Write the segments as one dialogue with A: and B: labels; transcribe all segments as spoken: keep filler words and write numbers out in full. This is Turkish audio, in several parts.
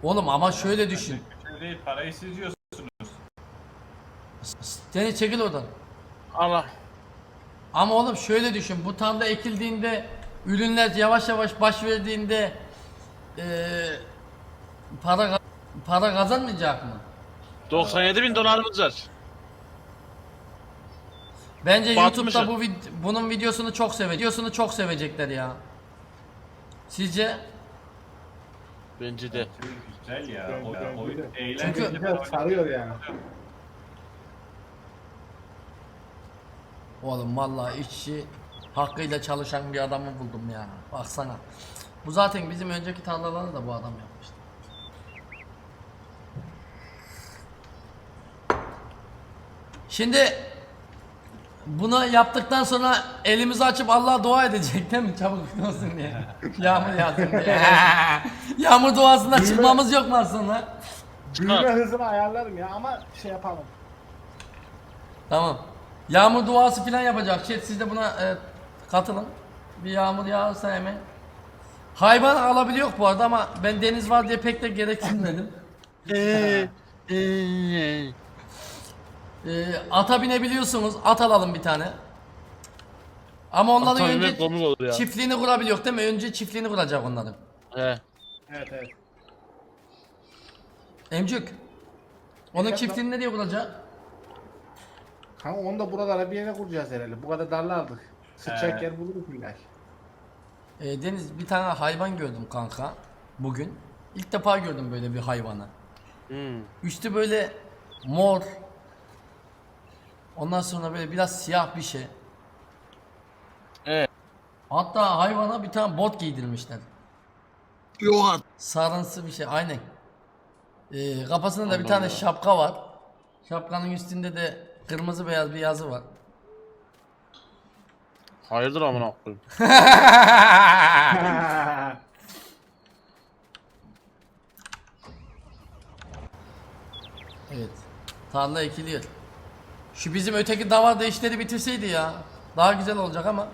A: Oğlum ama şöyle düşün.
B: Şey değil, parayı siz yiyorsunuz.
A: Seni çekil oradan.
C: Allah.
A: Ama oğlum şöyle düşün. Bu tarla ekildiğinde ürünler yavaş yavaş baş verdiğinde eee para para kazanmayacak mı?
C: doksan yedi bin dolarımız var.
A: Bence
C: Batmışım.
A: YouTube'da bu vid- bunun videosunu çok seve videosunu çok sevecekler ya. Sizce?
C: Bence de.
B: Güzel ya.
D: Güzel,
B: O,
D: güzel,
B: oyun
D: güzel.
B: eğlenceli.
A: Çünkü-
D: Güzel sarıyor yani.
A: Oğlum vallahi işçi hakkıyla çalışan bir adamı buldum ya. Baksana. Bu zaten bizim önceki tarlaları da bu adam yapmıştı. Şimdi bunu yaptıktan sonra elimizi açıp Allah'a dua edecek değil mi? Çabuk olsun diye. Yağmur yağsın diye. Yağmur duasından çıkmamız yok mu aslında?
D: Büyüme hızını ayarlarım ya ama şey yapalım.
A: Tamam. Yağmur duası falan yapacak. Şey, siz de buna e, katılın. Bir yağmur yağarsa hemen. Hayvan alabiliyor bu arada ama ben deniz var diye pek de gereksinmedim.
C: Eee, eee.
A: E, ata binebiliyorsunuz. At alalım bir tane. Ama onların
C: Ata binmek
A: önce
C: komik olur ya.
A: çiftliğini kurabiliyor değil mi? Önce çiftliğini kuracak onların.
C: He.
D: Evet evet.
A: Emcük. Onun
D: Efendim?
A: çiftliğini ne diye kuracak?
D: Kanka onu da buralara bir yere kuracağız herhalde. Bu kadar darlardık. Sıçacak
B: Ee.
D: yer buluruz illa.
A: E, Deniz bir tane hayvan gördüm kanka. Bugün. İlk defa gördüm böyle bir hayvanı.
C: Hmm.
A: Üstü böyle mor. Ondan sonra böyle biraz siyah bir şey.
C: Evet.
A: Hatta hayvana bir tane bot giydirmişler.
C: Yok artık.
A: Sarımsı bir şey aynen. Ee, kafasında da bir
C: Allah
A: tane
C: Allah.
A: şapka var. Şapkanın üstünde de kırmızı beyaz bir yazı var.
C: Hayırdır amına koyayım.
A: Evet. Tarla ekiliyor. Şu bizim öteki davarda işleri bitirseydi ya. Daha güzel olacak ama.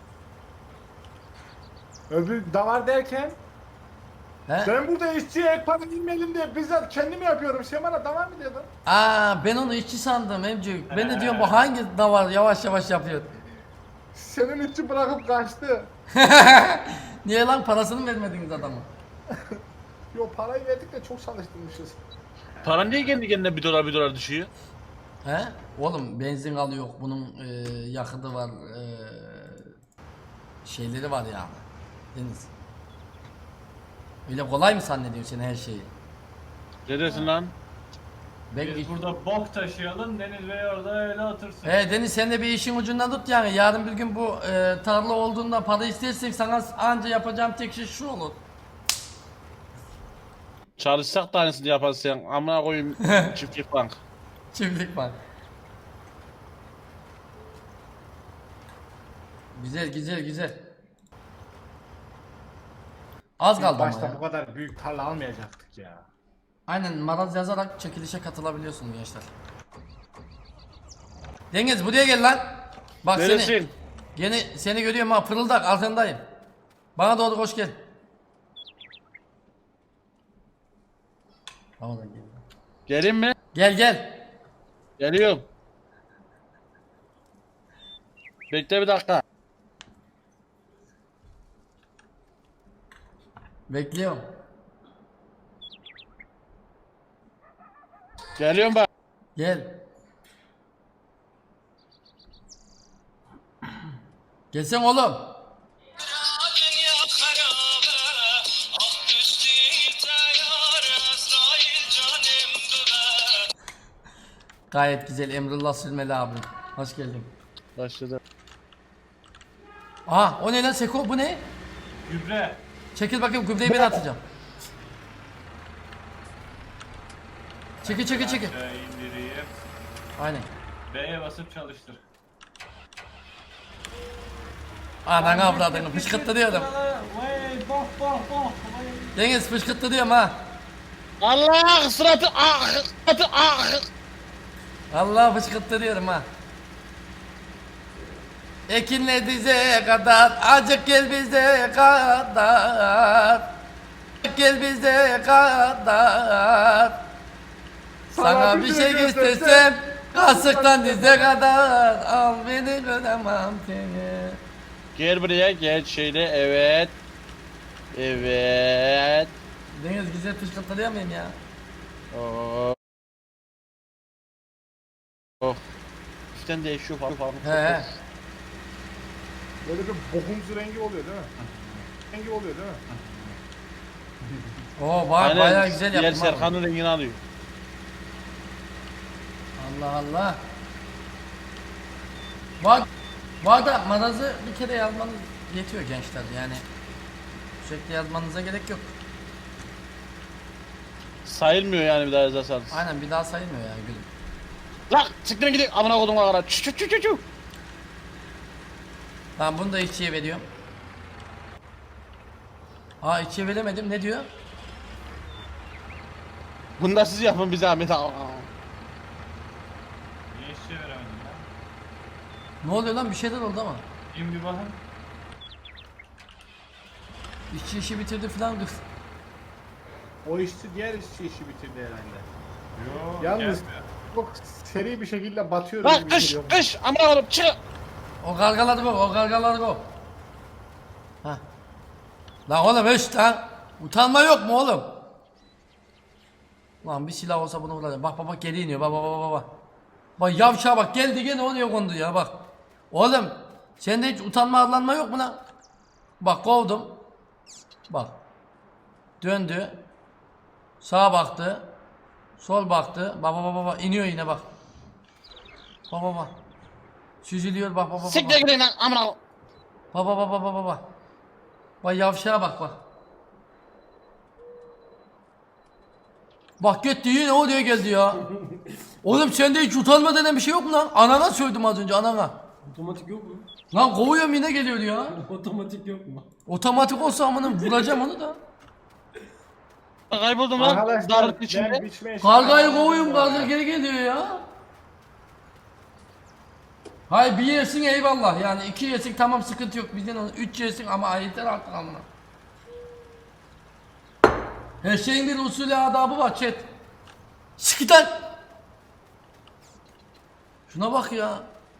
D: Öbür davar derken
A: He?
D: ben burada işçiye ek para inmeyelim diye bizzat kendim yapıyorum. Sen bana davar mı diyordun?
A: Aa ben onu işçi sandım Emcük. Ben de diyorum bu hangi davar yavaş yavaş yapıyor.
D: Senin işçi bırakıp kaçtı.
A: Niye lan parasını mı vermediniz adama?
D: Yo parayı verdik de çok çalıştırmışız.
C: Para niye kendi kendine bir dolar bir dolar düşüyor?
A: He? Oğlum benzin alıyor. Bunun e, yakıtı var. E, şeyleri var yani. Deniz. Öyle kolay mı zannediyorsun sen her şeyi?
C: Ne dersin lan?
A: Ben,
B: Biz burada bok taşıyalım, Deniz Bey orada öyle otursun.
A: He Deniz sen de bir işin ucundan tut yani. Yarın bir gün bu e, tarla olduğunda para istersek sana anca yapacağım tek şey şu olur.
C: Çalışsak da aynısını yaparsın sen. Amına koyayım çiftlik bank.
A: Çiftlik var. Güzel güzel güzel. Az kaldı ama
D: Başta
A: ya.
D: bu kadar büyük tarla almayacaktık ya.
A: Aynen maraz yazarak çekilişe katılabiliyorsun gençler. Deniz buraya gel lan. Bak seni.
C: Neresin?
A: Yeni seni görüyorum ha fırıldak arkandayım. Bana doğru koş gel. Tamam gel.
C: Gelin mi?
A: Gel gel.
C: Geliyorum. Bekle bir dakika.
A: Bekliyorum.
C: Geliyorum bak.
A: Gel. Gelsen oğlum. Gayet güzel Emrullah Sülmeli abi. Hoş geldin.
C: Başladı.
A: Aha o ne lan Seko bu ne?
B: Gübre.
A: Çekil bakayım gübreyi ben atacağım. Çekil çekil çekil.
B: Aşağı indireyim.
A: Aynen.
B: B'ye basıp çalıştır.
A: Ananı avradını fışkırttı diyorum.
B: Vay bok bok bok.
A: Deniz fışkırttı diyorum ha.
C: Allah suratı ah suratı ah.
A: Allah fışkırttı diyorum ha. Ekinle dize kadar acık gel bize kadar. Gel bize kadar. Sana bir şey göstersem kasıktan dize kadar. Al beni göremem seni.
C: Gel buraya gel şöyle evet. Evet.
A: Deniz güzel tışlatılıyor muyum ya?
C: Oh. Oh. Üstten değişiyor falan falan.
A: He.
D: Böyle bir bokumsu rengi oluyor değil mi? Rengi oluyor değil mi?
A: Oo bak
C: Aynen,
A: bayağı güzel
C: diğer
A: yaptım. ha.
C: Serkan'ın rengini alıyor.
A: Allah Allah. Bak, bu arada marazı bir kere yazmanız yetiyor gençler yani. Sürekli yazmanıza gerek yok.
C: Sayılmıyor yani bir daha yazarsanız.
A: Aynen bir daha sayılmıyor ya gülüm.
C: Lan siktirin gidin amına kodum kadar. Çü çü çü çü çü.
A: Ben bunu da içiye veriyorum. Aa içiye veremedim ne diyor?
C: Bunu da siz yapın bir zahmet. Aa.
B: Niye işçi veremedin lan?
A: Ne oluyor lan bir şeyler oldu ama.
B: İn bir bakın.
A: İşçi işi bitirdi falan kız.
D: O işçi diğer işçi işi bitirdi herhalde.
B: Yo,
D: Yalnız
B: gelmiyor.
D: çok seri bir şekilde batıyor.
C: Lan
D: gibi
C: kış
D: geliyor.
C: kış amına kodum çık.
A: O gargaladı bu, o gargaladı bu. Hah. Lan oğlum eş lan. Utanma yok mu oğlum? Lan bir silah olsa bunu vuracağım. Bak bak bak geri iniyor. Bak bak bak bak, bak. Bak yavşağa bak geldi gene oraya kondu ya bak. Oğlum sende hiç utanma arlanma yok mu lan? Bak kovdum. Bak. Döndü. Sağa baktı. Sol baktı. Bak bak bak bak iniyor yine bak. Bak bak bak. Süzülüyor bak bak bak.
C: Siktir
A: bak.
C: gidin lan amına kodum.
A: Bak bak bak bak bak bak. Bak yavşağa bak bak. Bak gitti yine o diye geldi ya. Oğlum sende hiç utanma denen bir şey yok mu lan? Anana söyledim az önce anana.
E: Otomatik yok mu?
A: Lan kovuyorum yine geliyor ya.
E: Otomatik yok mu?
A: Otomatik olsa amına vuracağım onu da.
C: Kayboldum lan.
D: Arkadaşlar
C: Darlık
D: ben
C: içinde.
D: biçmeye
A: Kargayı kovuyorum karga geri geliyor ya. Hay bir yesin eyvallah yani iki yesin tamam sıkıntı yok bizden onu üç yesin ama yeter artık amına. Her şeyin bir usulü adabı var chat. Sıkıdan. Şuna bak ya.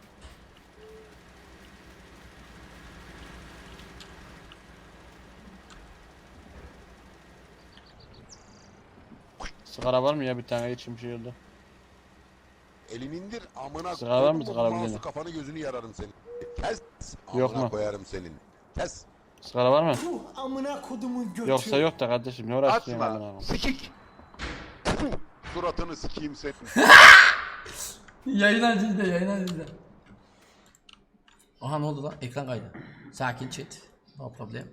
C: Sigara var mı ya bir tane içim şey oldu.
F: Elini indir amına
C: Sigara var mı?
F: koyduğum
C: Sigara
F: mouse'u
C: bilelim.
F: kafanı gözünü yararım senin. Kes.
C: Yok
F: Amına
C: mu?
F: koyarım senin. Kes.
C: Sigara var mı?
E: Amına kodumun götü.
C: Yoksa yok da kardeşim ne uğraştın amına
F: Açma.
C: kodum.
F: Sikik. Puh, suratını sikeyim senin.
A: Yayına izle yayına izle. Aha ne oldu lan ekran kaydı. Sakin chat. No problem.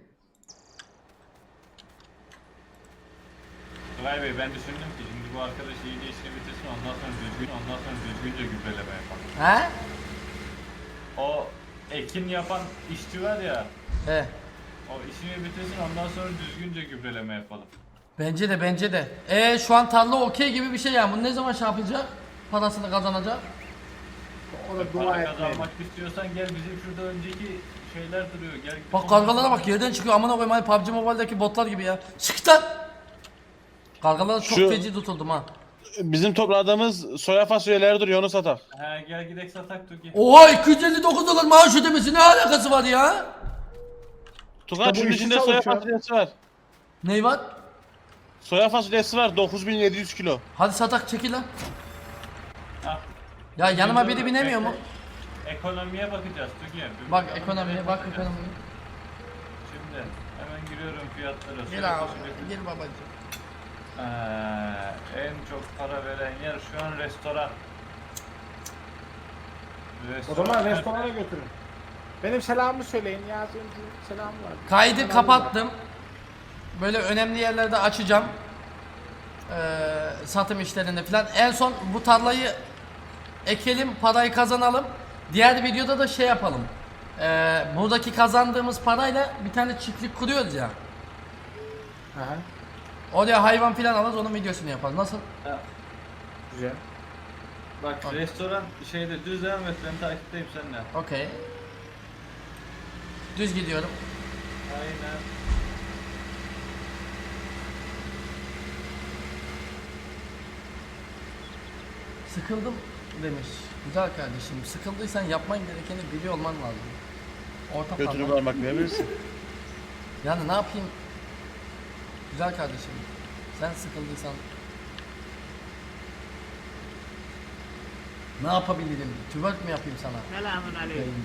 B: Tugay Bey ben düşündüm ki şimdi bu arkadaş iyice işini bitirsin ondan sonra düzgün ondan sonra düzgünce gübreleme yapalım.
A: He?
B: O ekin yapan işçi var ya
A: He.
B: o işini bitirsin ondan sonra düzgünce gübreleme yapalım.
A: Bence de bence de. E şu an tarla okey gibi bir şey yani. Bunu ne zaman şey yapacak? Parasını kazanacak.
D: O da dua
B: Para
D: etmeyin.
B: kazanmak istiyorsan gel bizim şurada önceki şeyler duruyor gel.
A: Bak kargalara bak yerden çıkıyor amına koyayım hani P U B G Mobile'deki botlar gibi ya. Çık lan. Kargalara çok
C: Şu-
A: feci tutuldum ha.
C: Bizim topladığımız soya fasulyeleri duruyor onu satak.
B: He gel gidek satak Tuki.
A: Oha iki yüz elli dokuz dolar maaş ödemesi ne alakası var ya?
C: Tugay
D: bu
C: şunun
D: işi
C: içinde soya
D: çalışıyor.
C: fasulyesi var.
A: Ney var?
C: Soya fasulyesi var dokuz bin yedi yüz kilo.
A: Hadi satak çekil lan.
B: Ah,
A: Ya yanıma biri
B: dur,
A: binemiyor mu?
B: bekle. Ekonomiye bakacağız Tuki. Bir
A: Bak
B: bakalım,
A: ekonomiye
B: nereye
A: bak
B: bakacağız.
A: ekonomiye.
B: Şimdi hemen giriyorum fiyatlara.
A: Gel
B: Soya
A: abi
B: fasulyesi-
A: gel babacığım.
B: Ee, en çok para veren yer şu an restoran.
D: O zaman restorana götürün. Benim selamımı söyleyin ya. Benim selamım var.
A: Kaydı
D: Selamım
A: kapattım. Böyle önemli yerlerde açacağım. Ee, satım işlerinde falan. En son bu tarlayı ekelim, parayı kazanalım. Diğer videoda da şey yapalım. Ee, buradaki kazandığımız parayla bir tane çiftlik kuruyoruz ya.
D: Aha,
A: Oraya hayvan falan alırız, onun videosunu yaparız. Nasıl?
D: güzel.
B: Bak restoran şeyde düz devam et ben takipteyim seninle.
A: Okey. Düz gidiyorum.
B: Aynen.
A: Sıkıldım demiş. Güzel kardeşim. Sıkıldıysan yapman gerekeni biliyor olman lazım. Orta
C: Götünü
A: parmak.
C: parmak verebilirsin.
A: Yani ne yapayım? Güzel kardeşim. Sen sıkıldıysan ne yapabilirim? Twerk mi yapayım sana?
D: Selamun aleyküm.
A: Yayında.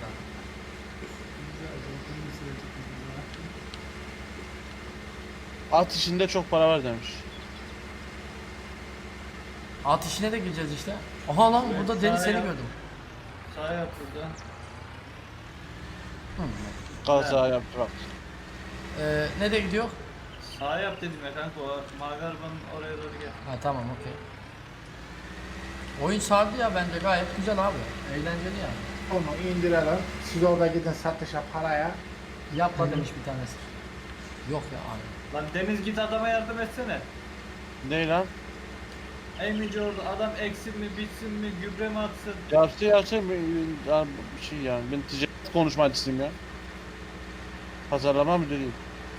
C: At işinde çok para var demiş.
A: At işine de gireceğiz işte. Aha lan burada Deniz seni gördüm.
B: Sağ yap burada.
C: Kaza yaptı bak.
A: Ee, ne de gidiyor?
B: Sağ yap dedim ya kanka, o mavi arabanın oraya doğru gel.
A: Ha tamam okey. Oyun sardı ya bence gayet güzel abi. Eğlenceli yani.
D: Onu indirelim. Siz orada gidin satışa paraya.
A: Yapma demiş bir tanesi. Yok ya abi.
B: Lan Deniz, git adama yardım etsene.
C: Ne lan?
B: Emici orada adam eksin mi, bitsin mi, gübre mi atsın?
C: Yaptı yaptı bir ya bir şey yani. Ben ticaret konuşmacısıyım ya. Pazarlama müdürüyüm.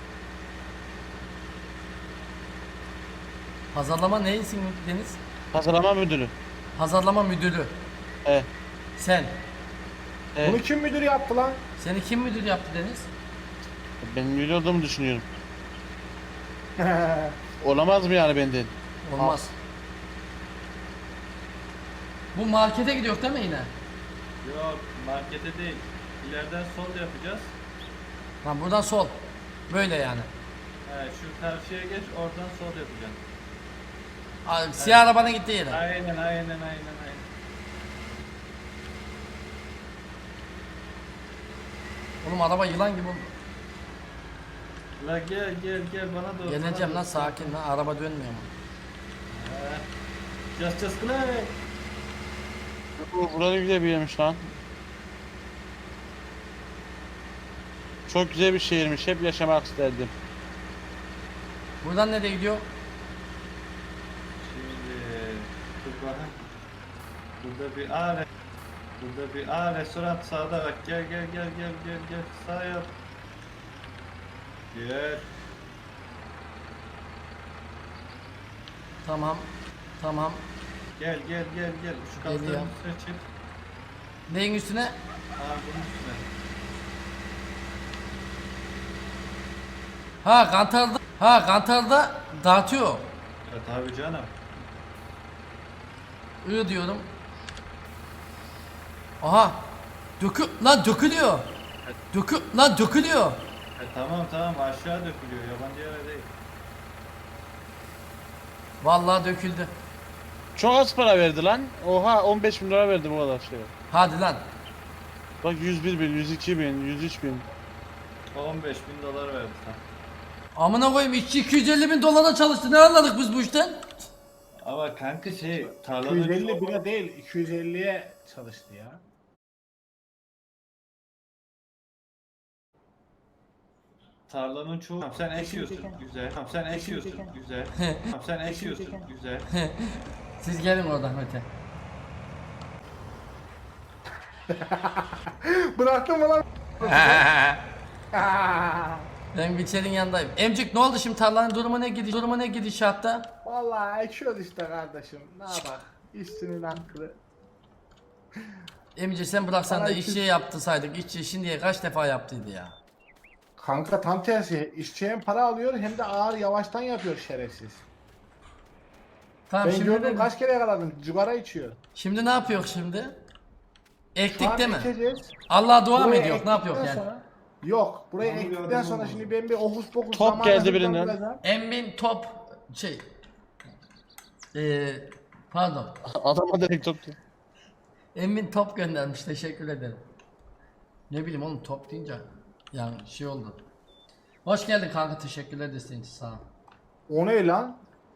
A: Pazarlama neysin Deniz?
C: Pazarlama müdürü.
A: Pazarlama müdürü.
C: E.
A: Sen.
C: E.
D: Bunu kim müdür yaptı lan?
A: Seni kim müdür yaptı Deniz?
C: Ben müdür olduğumu düşünüyorum. Olamaz mı yani benden?
A: Olmaz. Bu markete gidiyor değil mi yine?
B: Yok, markete değil. İleriden sol yapacağız.
A: Tamam buradan sol. Böyle yani.
B: He, şu karşıya geç, oradan sol yapacaksın.
A: Aa, siyah arabanın gittiği yere.
B: Aynen, aynen, aynen, aynen.
A: Oğlum araba yılan gibi oldu.
B: La gel, gel, gel bana doğru.
A: Geleceğim
B: bana
A: lan
B: doğru.
A: sakin lan araba dönmüyor mu?
B: He. Just just play.
C: Bu burada güzel bir yermiş lan. Çok güzel bir şehirmiş. Hep yaşamak isterdim.
A: Buradan nereye gidiyor?
B: Şimdi dur bakayım. Burada bir A re- Burada bir A restoran sağda bak, gel gel gel gel gel gel sağ yap. Gel.
A: Tamam. Tamam.
B: Gel gel gel gel. Şu kapının
A: Geliyor.
B: üstüne çık.
A: Neyin üstüne?
B: Aa, bunun üstüne.
A: Ha kantarda. Ha kantarda dağıtıyor.
B: Ya tabii canım.
A: I diyorum. Aha. Dökü lan dökülüyor. Dökü lan dökülüyor.
B: E, tamam tamam, aşağı dökülüyor, yabancı yere değil.
A: Vallahi döküldü.
C: Çok az para verdi lan. Oha on beş bin lira verdi bu kadar şey.
A: Hadi lan.
C: Bak yüz bir bin, yüz iki bin, yüz üç bin.
B: on beş bin dolar verdi sen.
A: Amına koyayım işçi iki yüz elli bin dolara çalıştı. Ne anladık biz bu işten?
B: Ama kanka şey, tarlanın
D: iki yüz elli
B: çok-
D: bile değil, iki yüz elliye çalıştı ya.
B: Tarlanın çoğu. Tamam, sen ekiyorsun, güzel. Tamam, sen ekiyorsun, güzel. Tamam, sen ekiyorsun, güzel.
A: Siz gelin oradan öte.
D: Bıraktın mı lan?
A: Ben Biçer'in yanındayım. Emcik ne oldu şimdi tarlanın durumu ne gidiş durumu ne gidişatta?
D: Vallahi ekiyoruz işte kardeşim. Ne yapak? İşçinin hakkı.
A: Emice sen bıraksan da
D: Bana
A: işçiye yaptırsaydık işçi şimdiye kaç defa yaptıydı ya.
D: Kanka tam tersi. İşçi hem para alıyor hem de ağır yavaştan yapıyor şerefsiz.
A: Tamam
D: Ben
A: şimdi
D: gördüm
A: ne,
D: kaç kere yakaladım. Cigara içiyor.
A: şimdi ne yapıyor şimdi?
D: Şu
A: Ektik
D: an
A: değil mi?
D: ekeceğiz.
A: Allah'a dua mı
D: Burayı
A: ediyor? Ne yapıyor
D: ektikten
A: yani?
D: sonra- Yok. Burayı
E: Yağmur
D: ektikten
E: yağdı,
D: sonra
E: yağmur.
D: şimdi ben bir okus pokus
C: Top
D: zamanla
C: geldi birinden.
D: hızlandıracağım.
A: Emin top şey ee, pardon.
C: Adama direkt tuttu.
A: Emin top göndermiş teşekkür ederim. Ne bileyim oğlum top deyince yani şey oldu. Hoş geldin kanka teşekkürler desteğin için sağ ol.
D: O ne lan?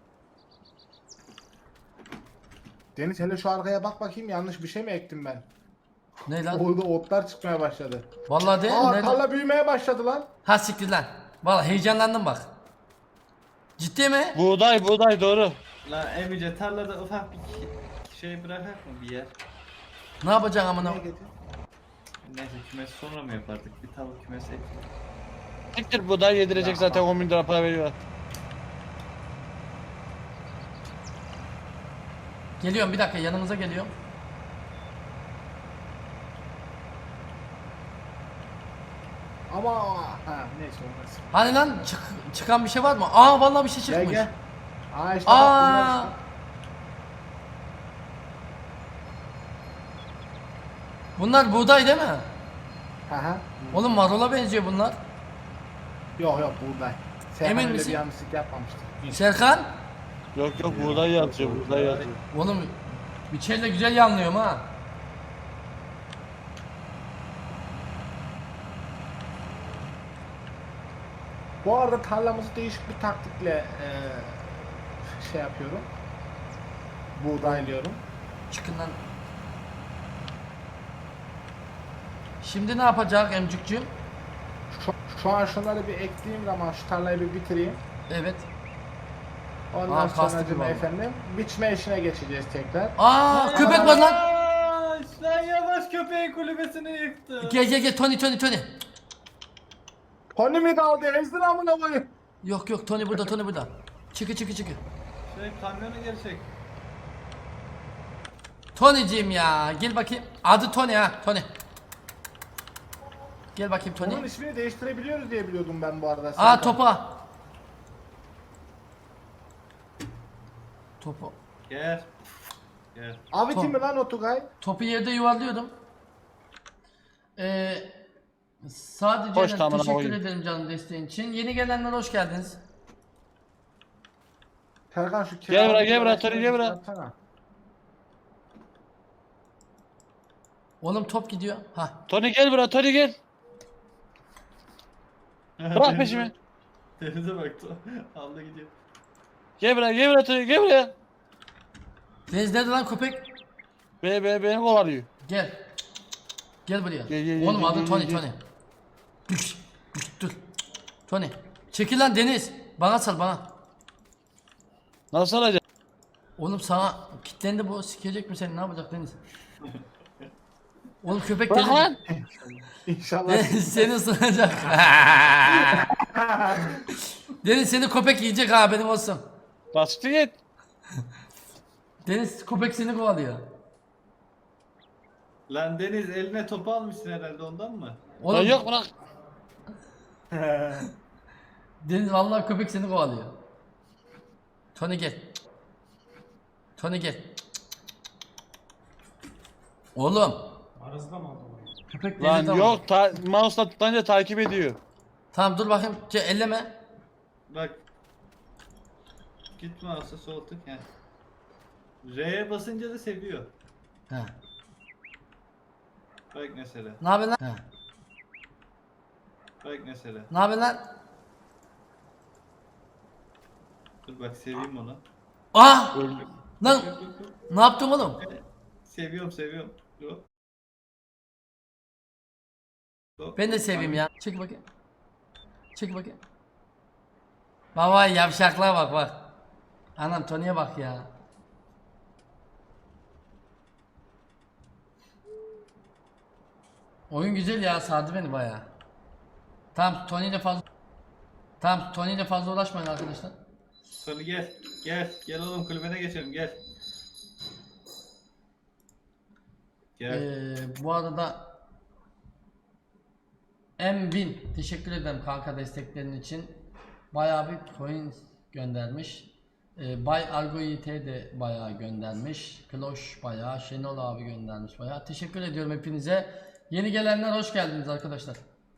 D: Deniz hele şu arkaya bak bakayım, yanlış bir şey mi ektim ben?
A: Ne lan?
D: Orada otlar çıkmaya başladı.
A: Vallahi de
D: Aa
A: ne?
D: tarla büyümeye başladı lan.
A: Ha siktir lan. Vallahi heyecanlandım bak. Ciddi mi?
C: Buğday buğday doğru.
B: Lan Emice, tarlada ufak bir şey bırakak mı bir yer?
A: Ne yapacaksın amına?
D: Ne getir?
B: Neyse, kümes sonra mı yapardık? Bir tavuk kümesi ek.
C: Siktir buğday yedirecek zaten on bin lira para veriyor.
A: Geliyorum bir dakika, yanınıza geliyorum.
D: Ama ha neyse olmaz.
A: Hani lan çık, çıkan bir şey var mı? Aa vallahi bir şey
D: Gel
A: çıkmış.
D: gel. Aa işte bak bunlar
A: Aa.
D: işte.
A: Bunlar buğday değil mi?
D: Hı hı.
A: Oğlum marola benziyor bunlar.
D: Yok yok buğday. Serkan
A: Emin
D: öyle
A: misin?
D: bir yanlışlık yapmamıştır.
A: Serkan.
C: Yok yok buğday yazıyor, buğday yazıyor.
A: Oğlum biçerle güzel yanlıyorum ha.
D: Bu arada tarlamızı değişik bir taktikle eee, şey yapıyorum. Buğdaylıyorum.
A: Çıkın lan. Şimdi ne yapacak emcükcüğüm?
D: Şu, şu an şunları bir ekleyeyim zaman şu tarlayı bir bitireyim.
A: Evet.
D: Ondan
A: Aa,
D: sonra
A: kastım
D: cuma
A: oldu.
D: efendim biçme işine geçeceğiz tekrar.
A: Aa köpek var lan.
B: Aa, Sen yavaş köpeğin kulübesini yıktın.
A: Gel gel gel Tony Tony Tony.
D: Tony mi kaldı? Ezdin amına koyayım.
A: Yok yok Tony burada Tony burada. Çıkı çıkı çıkı.
B: Şey kamyonu geri çek.
A: Tony'cim ya gel bakayım. Adı Tony ha Tony. Gel bakayım
D: Onun
A: Tony.
D: ismini değiştirebiliyoruz diye biliyordum ben bu arada.
A: Aa
D: Serkan.
A: topa. Topu.
B: Gel. Gel.
D: Abi
A: Tom.
D: kim mi lan o Tugay?
A: Topu yerde yuvarlıyordum. Ee, sadece
C: Hoş tamam,
A: teşekkür
C: oyun.
A: ederim canım desteğin için. Yeni gelenler hoş geldiniz.
D: Serkan şu
C: Gel buraya, gel
D: kiralık
C: buraya, Tony, gel buraya.
D: yapsana.
A: Oğlum top gidiyor. Ha.
C: Tony gel buraya, Tony gel. Bırak peşimi.
B: Denize bak. Aldı gidiyor.
C: Gel buraya, gel buraya Tony, gel buraya.
A: Deniz nerede lan köpek?
C: Beni, beni, beni kovalıyor.
A: Gel. Gel buraya.
C: Gel, gel,
A: Oğlum
C: gel,
A: adı
C: gel,
A: Tony
C: gel.
A: Tony. Dur. Dur. Dur. Tony. Çekil lan Deniz. Bana sal bana.
C: Nasıl alacak?
A: Oğlum sana kilitlendi bu. Sikecek mi seni? Ne yapacak Deniz? Oğlum köpek
C: Bırak
A: Deniz.
C: lan.
D: İnşallah.
A: Deniz seni ısıracak. Deniz seni köpek yiyecek ha benim olsun.
C: Bastı git.
A: Deniz köpek seni kovalıyor.
B: Lan Deniz eline topu almışsın herhalde ondan mı?
C: Lan
A: Oğlum
C: yok bırak.
A: Deniz vallahi köpek seni kovalıyor. Tony gel. Tony gel. Oğlum.
E: Arasında mı aldın orayı?
A: Köpek
C: Lan
A: Deniz'den
C: yok
A: vurdu.
C: ta mouse'la tutunca takip ediyor.
A: Tamam dur bakayım. Ce, elleme.
B: Bak. Gitme olsa soğuttuk yani. R'ye basınca da seviyor.
A: He.
B: Bak mesela.
A: Ne haber lan? He.
B: Bak mesela.
A: Ne haber lan?
B: Dur bak seveyim onu.
A: Ah!
C: Öldü.
A: Lan ne yaptın oğlum?
B: Seviyorum seviyorum. Dur. Dur.
A: Ben de seveyim ya. Çek bakayım. Çek bakayım. Baba yavşaklığa bak bak. Anam Tony'ye bak ya. Oyun güzel ya, sardı beni bayağı. Tamam Tony ile fazla Tamam Tony ile fazla uğraşmayın arkadaşlar.
B: Sonra gel. Gel. Gel oğlum kulübene geçelim gel. Gel.
A: Ee, bu arada Mbin teşekkür ederim kanka desteklerin için. Bayağı bir coin göndermiş. Ee, Bay Argo Y T de bayağı göndermiş. Kloş bayağı, Şenol abi göndermiş bayağı. Teşekkür ediyorum hepinize. Yeni gelenler hoş geldiniz arkadaşlar.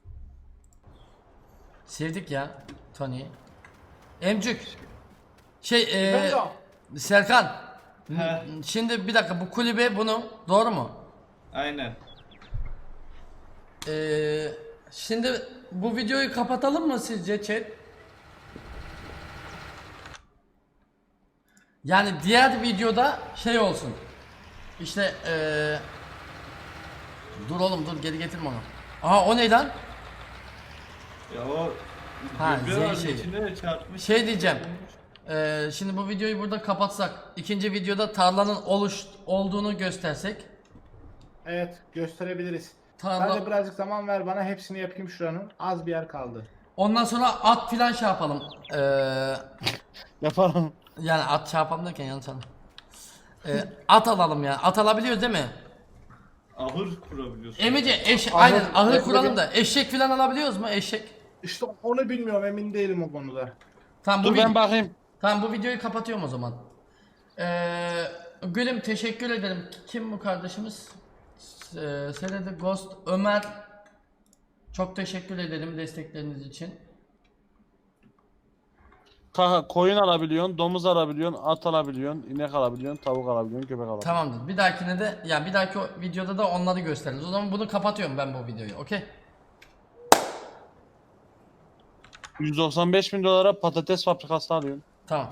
A: Sevdik ya Tony'yi. Emcük. Şey ee,
D: Ben de-
A: Serkan.
B: He.
A: Şimdi bir dakika bu kulübe bunu doğru mu?
B: Aynen.
A: Ee, şimdi bu videoyu kapatalım mı sizce chat? Yani diğer videoda şey olsun. İşte ee, dur oğlum dur geri getirme onu. Aha o neyden?
B: Ya o
A: Ha,
B: gübre
A: Z
B: vardı,
A: şeyi.
B: içine de çarpmış.
A: Şey diyeceğim. Ee, şimdi bu videoyu burada kapatsak, ikinci videoda tarlanın oluş olduğunu göstersek.
D: Evet gösterebiliriz.
A: Tarla-
D: Sadece birazcık zaman ver bana hepsini yapayım şuranın. Az bir yer kaldı.
A: Ondan sonra at filan şey yapalım. Ee,
C: Yaparım.
A: yani at şey yapalım derken yanlış anladım. Ee, at alalım ya. At alabiliyoruz değil mi?
B: Ahır kurabiliyorsun.
A: Emice eş
D: Ahır-
A: aynen ahır
D: ahır-
A: kuralım da eşek falan alabiliyoruz mu? Eşek.
D: İşte onu bilmiyorum, emin değilim o konuda.
A: Tamam bu
C: Dur
A: vid-
C: ben bakayım.
A: Tamam bu videoyu kapatıyorum o zaman. Ee, Gülüm teşekkür ederim. Kim bu kardeşimiz? Ee, Senede Ghost Ömer. Çok teşekkür ederim destekleriniz için.
C: Ka- koyun alabiliyorsun, domuz alabiliyorsun, at alabiliyorsun, inek alabiliyorsun, tavuk alabiliyorsun, köpek alabiliyorsun.
A: Tamamdır. Bir dahakine de ya bir dahaki o videoda da onları gösteririz. O zaman bunu kapatıyorum ben bu videoyu. Okey?
C: yüz doksan beş bin dolara patates fabrikası alıyorsun.
A: Tamam.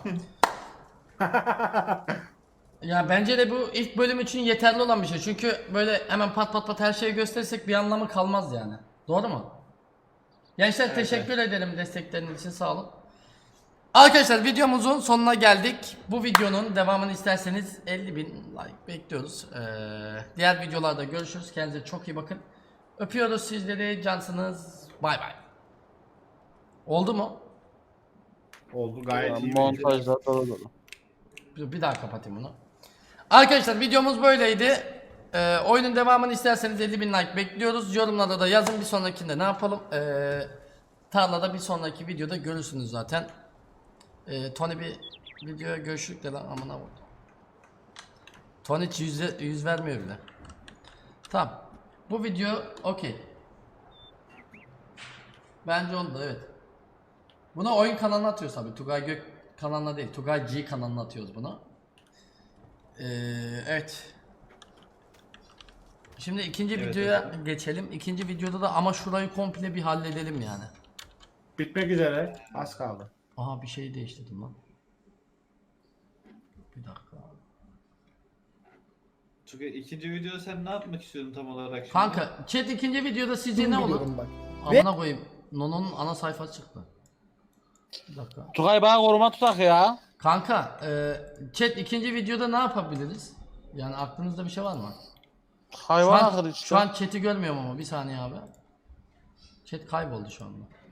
A: Ya bence de bu ilk bölüm için yeterli olan bir şey. Çünkü böyle hemen pat pat pat her şeyi gösterirsek bir anlamı kalmaz yani. Doğru mu? Gençler teşekkür ederim destekleriniz için, sağ olun. Arkadaşlar videomuzun sonuna geldik. Bu videonun devamını isterseniz elli bin like bekliyoruz. Ee, diğer videolarda görüşürüz. Kendinize çok iyi bakın. Öpüyoruz sizleri. Cansınız. Bay bay. Oldu mu?
D: Oldu gayet iyi.
C: Montajda dolu dolu.
A: Bir bir daha kapatayım bunu. Arkadaşlar videomuz böyleydi. Ee, oyunun devamını isterseniz elli bin like bekliyoruz. Yorumlarda da yazın, bir sonrakinde ne yapalım. Ee, tarlada bir sonraki videoda görürsünüz zaten. Ee, Tony bir videoya görüşürük de lan amına vurdu. Tony hiç yüz, yüz vermiyor bile. Tamam. Bu video okey. Bence oldu, evet. Bunu oyun kanalına atıyoruz abi. Tugay Gök kanalına değil. Tugay G kanalına atıyoruz bunu. Ee, evet. Şimdi ikinci
B: Evet,
A: videoya
B: efendim.
A: geçelim. İkinci videoda da ama şurayı komple bir halledelim yani.
D: Bitmek üzere. Az kaldı.
A: Aha bir şey değiştirdim lan. Bir dakika.
B: Çünkü ikinci videoda sen ne yapmak istiyorsun tam olarak şimdi?
A: Kanka chat ikinci videoda sizce ne olur?
D: Biliyorum bak.
A: Amına koyayım. Nono'nun ana sayfası çıktı. Bir dakika.
C: Tugay bana koruma tutak ya.
A: Kanka e, chat ikinci videoda ne yapabiliriz? Yani aklınızda bir şey var mı? Şu
C: Hayvan
A: an,
C: akıllı işte.
A: şu an chat'i görmüyorum ama bir saniye abi. Chat kayboldu şu anda.